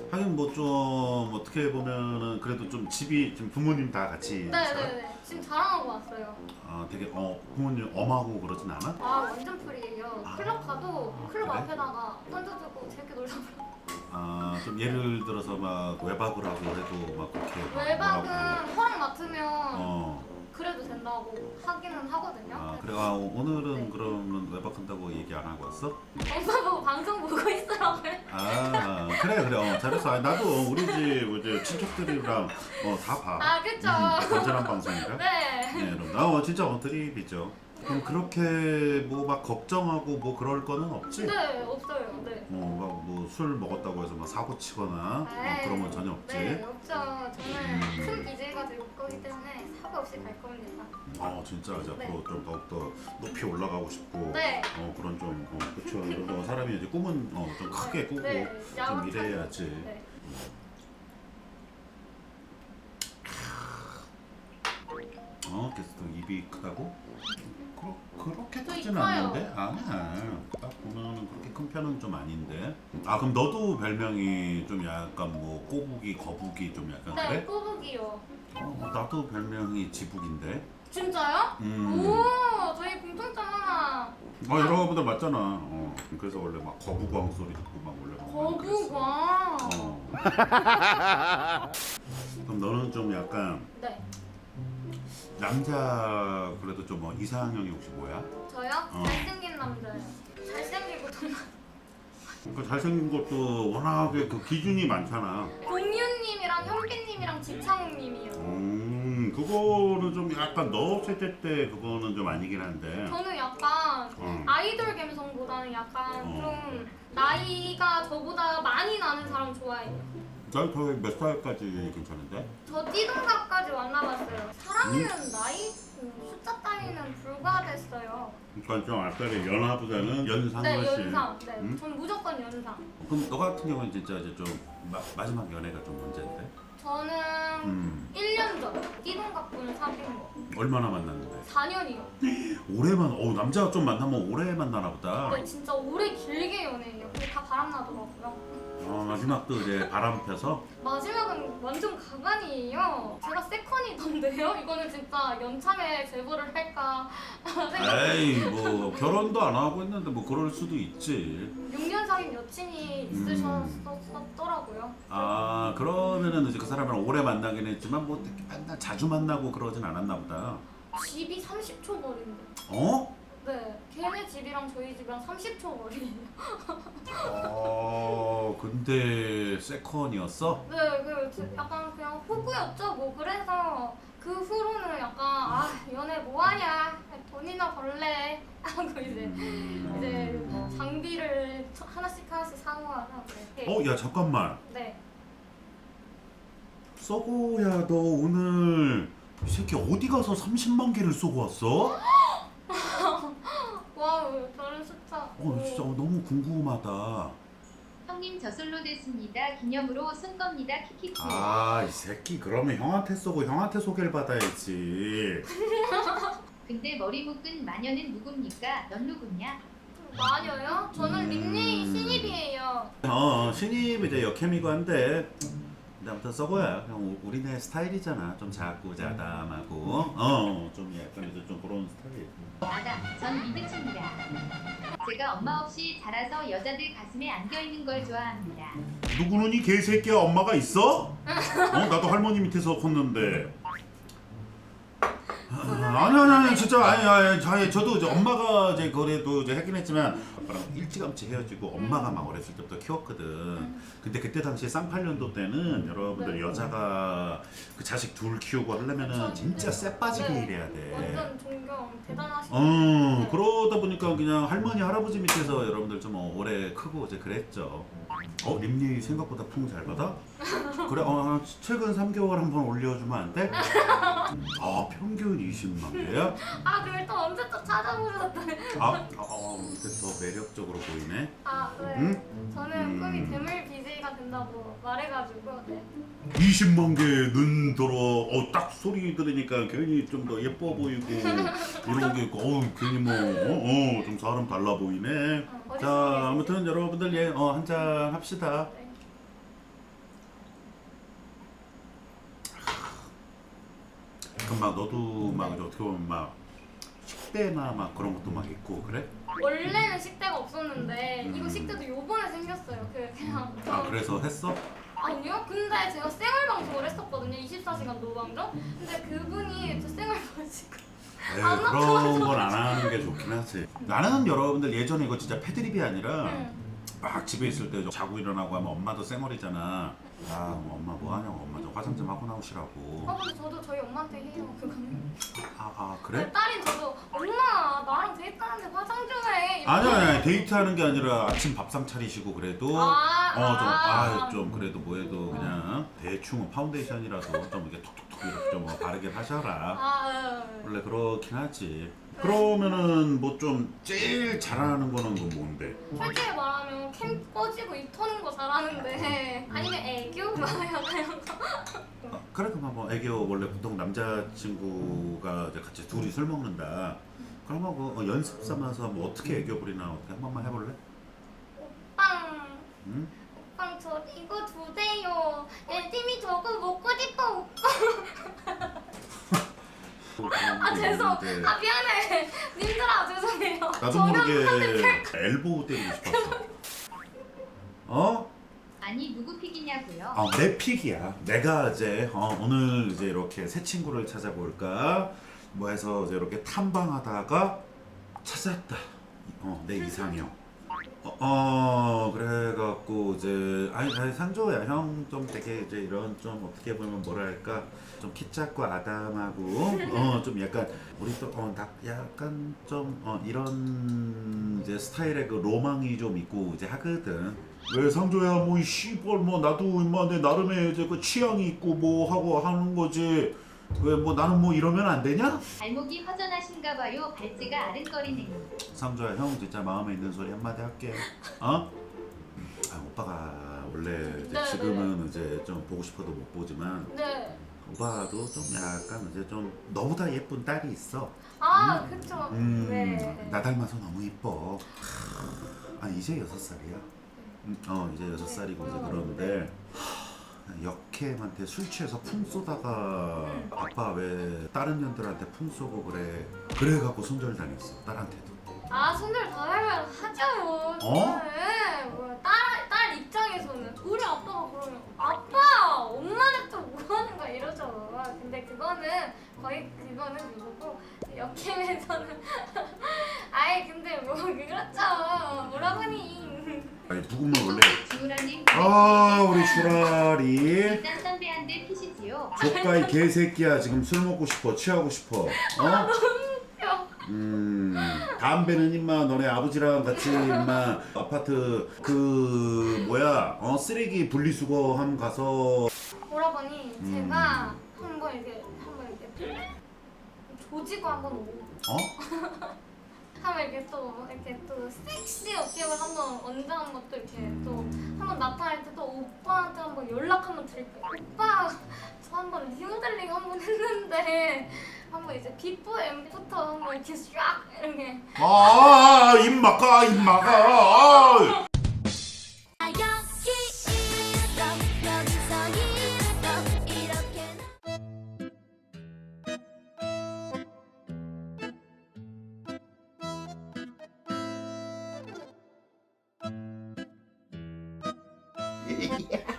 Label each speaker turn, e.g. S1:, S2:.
S1: 하긴 뭐 좀 어떻게 보면은 그래도 좀 집이 좀 부모님 다 같이 살아?
S2: 네네네. 지금 자랑하고 왔어요.
S1: 아 되게 부모님 엄하고 그러진 않아?
S2: 아 완전 프리예요.
S1: 아,
S2: 클럽 가도 클럽
S1: 그래?
S2: 앞에다가 던져두고 재밌게 놀다 그래요.
S1: 아 좀 예를 들어서 막 외박을 하고 해도 막 그렇게 막
S2: 외박은
S1: 뭐라고
S2: 허락 맡으면
S1: 어.
S2: 그래도 된다고 하기는 하거든요.
S1: 아 그래 오늘은
S2: 네.
S1: 그러면 외박한다고 얘기 안 하고 왔어?
S2: 엄마 보고 방송 보고 있으라고요.
S1: 아 그래 잘했어. 아니, 나도 우리 집 이제 친척들이랑 다 봐.
S2: 아 그쵸.
S1: 건전한 방송이라.
S2: 네.
S1: 네, 그럼 진짜 드립이죠. 그럼 그렇게 뭐 막 걱정하고 뭐 그럴 거는 없지?
S2: 네 없어요. 네.
S1: 술 먹었다고 해서 막 사고 치거나
S2: 에이,
S1: 그런 건 전혀 없지.
S2: 네 없죠. 저는 큰 BJ가 될 거기 때문에 사고 없이 갈 겁니다.
S1: 진짜 이제
S2: 네.
S1: 앞으로 좀 더욱더 높이 올라가고 싶고
S2: 네.
S1: 그런 좀 그렇죠. 이런 사람이 이제 꿈은 좀 크게 꾸고
S2: 네.
S1: 좀
S2: 야망
S1: 이래야지.
S2: 네.
S1: 게스트 입이 크다고? 그렇게
S2: 저
S1: 크진
S2: 이뻐요.
S1: 않는데? 아니야. 딱 보면은 그렇게 큰 편은 좀 아닌데. 아 그럼 너도 별명이 좀 약간 뭐 꼬부기, 거북이 좀 약간
S2: 네
S1: 그래?
S2: 꼬북이요.
S1: 나도 별명이 지북인데.
S2: 진짜요?
S1: 음.
S2: 오 저희 공통점 하나.
S1: 여러분들 맞잖아. 그래서 원래 막 거북왕 소리 듣고 막 원래 막 많이 그랬어.
S2: 거북왕.
S1: 그럼 너는 좀 약간
S2: 네.
S1: 남자 그래도 좀 이상형이 혹시 뭐야?
S2: 저요? 잘생긴 남자예요. 잘생기고 돈
S1: 그 잘생긴 것도 워낙에 그 기준이 많잖아.
S2: 공유님이랑 현빈님이랑 지창욱님이요.
S1: 그거는 좀 약간 너 세대 때 그거는 좀 아니긴 한데.
S2: 저는 약간 아이돌 감성보다는 약간 좀 나이가 저보다 많이 나는 사람 좋아해요.
S1: 난 거의 몇 살까지 괜찮은데?
S2: 저 띠동갑까지 만나봤어요. 사람이면 나이 숫자 따위는 불과됐어요.
S1: 그러니까 좀 아까의 연하보다는 연상
S2: 네
S1: 훨씬.
S2: 연상. 네.
S1: 응?
S2: 전 무조건 연상.
S1: 그럼 너 같은 경우는 진짜 이제 좀 마지막 연애가 좀 언제인데?
S2: 저는 1년 전 띠동갑분을 사귄 거.
S1: 얼마나 만났는데?
S2: 4년이요.
S1: 오래만 남자가 좀 만나면 오래 만나나 보다.
S2: 네 진짜 오래 길게 연애해요. 근데 다 바람나더라고요.
S1: 마지막도 이제 바람 펴서.
S2: 마지막은 완전 가관이에요. 제가 세컨이던데요? 이거는 진짜 연참에 제보를 할까 생각.
S1: 에이 뭐 결혼도 안 하고 했는데 뭐 그럴 수도 있지.
S2: 6년 사귄 여친이 있으셨더라고요.
S1: 아 그러면은 이제 그 사람이랑 오래 만나긴 했지만 뭐 맨날 자주 만나고 그러진 않았나 보다.
S2: 집이 30초 거리인데.
S1: 어?
S2: 네, 걔네 집이랑 저희 집이랑 30초 거리예요.
S1: 근데 세컨이었어?
S2: 네, 약간 그냥 호구였죠. 뭐 그래서 그 후로는 약간 연애 뭐하냐, 돈이나 벌래 하고 이제 장비를 하나씩 사모하나. 네.
S1: 야 잠깐만.
S2: 네.
S1: 썩어야 너 오늘 이 새끼 어디 가서 30만 개를 쏘고 왔어?
S2: 와우, 저런 숫자.
S1: 진짜 너무 궁금하다.
S3: 형님 저솔로 됐습니다. 기념으로 쓴 겁니다. 키키키.
S1: 이 새끼 그러면 형한테 쏘고 형한테 소개를 받아야지.
S3: 근데 머리 묶은 마녀는 누굽니까? 넌 누구냐?
S2: 마녀요? 저는 닉네임 신입이에요.
S1: 신입 이제 역캠이고 한데 근데 아무튼 썩어야 그냥 우리네 스타일이잖아. 좀 작고 자담하고 좀 약간 이제 좀 그런 스타일이에요.
S3: 아다, 전 미드칩니다. 제가 엄마 없이 자라서 여자들 가슴에 안겨 있는 걸 좋아합니다.
S1: 누구는 이 개새끼야 엄마가 있어? 나도 할머니 밑에서 컸는데. 아니 진짜 아니 저도 이제 엄마가 이제 그래도 이제 하긴 했지만 아빠랑 일찌감치 헤어지고 엄마가 막 어렸을 때부터 키웠거든. 근데 그때 당시에 쌍팔년도 때는 여러분들
S2: 네.
S1: 여자가 그 자식 둘 키우고 하려면은
S2: 그쵸,
S1: 진짜 쎄 빠지게
S2: 네.
S1: 일해야 돼.
S2: 완전 존경 대단하시네요.
S1: 그러다 보니까 그냥 할머니 할아버지 밑에서 여러분들 좀 오래 크고 이제 그랬죠. 림니 생각보다 풍 잘 받아? 그래 최근 3개월 한번 올려주면 안 돼? 평균 20만 개야?
S2: 그걸 또 언제 또 찾아보셨더니.
S1: 이게 더 매력적으로 보이네.
S2: 네.
S1: 응?
S2: 저는 꿈이 괴물 BJ가 된다고 말해가지고. 네.
S1: 20만 개는 들어. 딱 소리 들으니까 괜히 좀 더 예뻐 보이고 이런 게 있고 괜히 뭐 좀 사람 달라 보이네. 자 아무튼 여러분들 한잔 합시다.
S2: 네.
S1: 그럼 막 너도 막 이제 어떻게 보면 막 식대나 막 그런 것도 막 있고 그래?
S2: 원래는 식대가 없었는데 이거
S1: 음.
S2: 식대도 요번에 생겼어요. 그냥
S1: 아 그래서 했어?
S2: 아니요. 근데 제가 생얼방송을 했었거든요. 24시간 노방송. 근데 그분이 저 생얼방송
S1: 에이,
S2: 안
S1: 그런 건 안 하는 게 좋긴 하지. 나는 여러분들 예전에 이거 진짜 패드립이 아니라 막 집에 있을 때 자고 일어나고 하면 엄마도 쌩얼이잖아. 뭐 엄마 뭐 하냐고 엄마 좀 화장 좀 하고 나오시라고.
S2: 근데 저도 저희 엄마한테 해요. 그거는.
S1: 그래?
S2: 딸인 저도 엄마 나랑 데이트하는데 화장 좀 해. 이렇게.
S1: 아니야 데이트하는 게 아니라 아침 밥상 차리시고 그래도 좀 그래도 뭐해도 그냥 대충 파운데이션이라도 좀 이렇게 톡톡톡 이렇게 좀 바르게 하셔라. 원래 그렇긴 하지. 그러면은 뭐 좀 제일 잘하는 거는 건 뭔데?
S2: 솔직히 말하면 캠 꺼지고 입 터는 거 잘하는데 아니면 애교 막 약간 이런 거.
S1: 그래 그럼 뭐 애교 원래 보통 남자친구가 이제 같이 둘이 술 먹는다. 그러면 그 연습 삼아서 뭐 어떻게 애교 부리나 어떻게 한 번만 해볼래?
S2: 빵.
S1: 응?
S2: 오빠 저 이거 주세요. 열심히 저거 먹고 싶어 오빠. 죄송.
S1: 이제
S2: 미안해. 님들아 죄송해요.
S1: 나도 모르게 엘보우 때리고 싶었어. 어?
S3: 아니 누구 픽이냐고요?
S1: 내 픽이야. 내가 이제 오늘 이제 이렇게 새 친구를 찾아볼까 뭐 해서 이제 이렇게 탐방하다가 찾았다. 내 이상형. 그래갖고 이제 아니 상조야 형 좀 되게 이제 이런 좀 어떻게 보면 뭐랄까 좀 키 작고 아담하고 좀 약간 우리 또 약간 좀 이런 이제 스타일의 그 로망이 좀 있고 이제 하거든. 왜 상조야 뭐 씨발 뭐 나도 임마 내 나름의 이제 그 취향이 있고 뭐 하고 하는 거지. 왜 뭐 나는 뭐 이러면 안 되냐?
S3: 발목이 허전하신가봐요. 발찌가 아른거리네요.
S1: 상조야 형 진짜 마음에 있는 소리 한마디 할게. 오빠가 원래 이제
S2: 네,
S1: 지금은 이제 좀 보고 싶어도 못 보지만
S2: 네.
S1: 오빠도 좀 약간 이제 좀 너보다 예쁜 딸이 있어.
S2: 그쵸. 네.
S1: 나 닮아서 너무 예뻐. 이제 6살이야. 이제 6살이고 이제 그러는데 역캠한테 술 취해서 풍 쏘다가 아빠 왜 다른 년들한테 풍 쏘고 그래갖고 손절 당했어 딸한테도.
S2: 손절 다 하면 하죠. 네. 뭐야, 딸 입장에서는 우리 아빠가 그러면 아빠 엄마는 또 뭐 하는 거야 이러죠. 근데 그거는 그거고 역캠에서는 근데 뭐 그렇죠. 뭐라보니.
S1: 누구면 원래
S3: 주우라님
S1: 우리 슈라리
S3: 일단 선배한테 피시지요.
S1: 조카이 개새끼야 지금 술 먹고 싶어 취하고 싶어 담배는 임마 너네 아버지랑 같이 임마 아파트 그 뭐야 쓰레기 분리수거함 가서
S2: 오라버니 제가 한번 이렇게 조지고 한번 오고 한번 이렇게 또 섹시 어깨를 한번 언제한 것도 이렇게 또 한번 나타날 때 또 오빠한테 한번 연락 한번 드릴게요. 오빠 저 한번 리모델링 한번 했는데 한번 이제 비포 엠부터 한번 이렇게 샥 이렇게
S1: 입막아 입막아
S4: Yeah.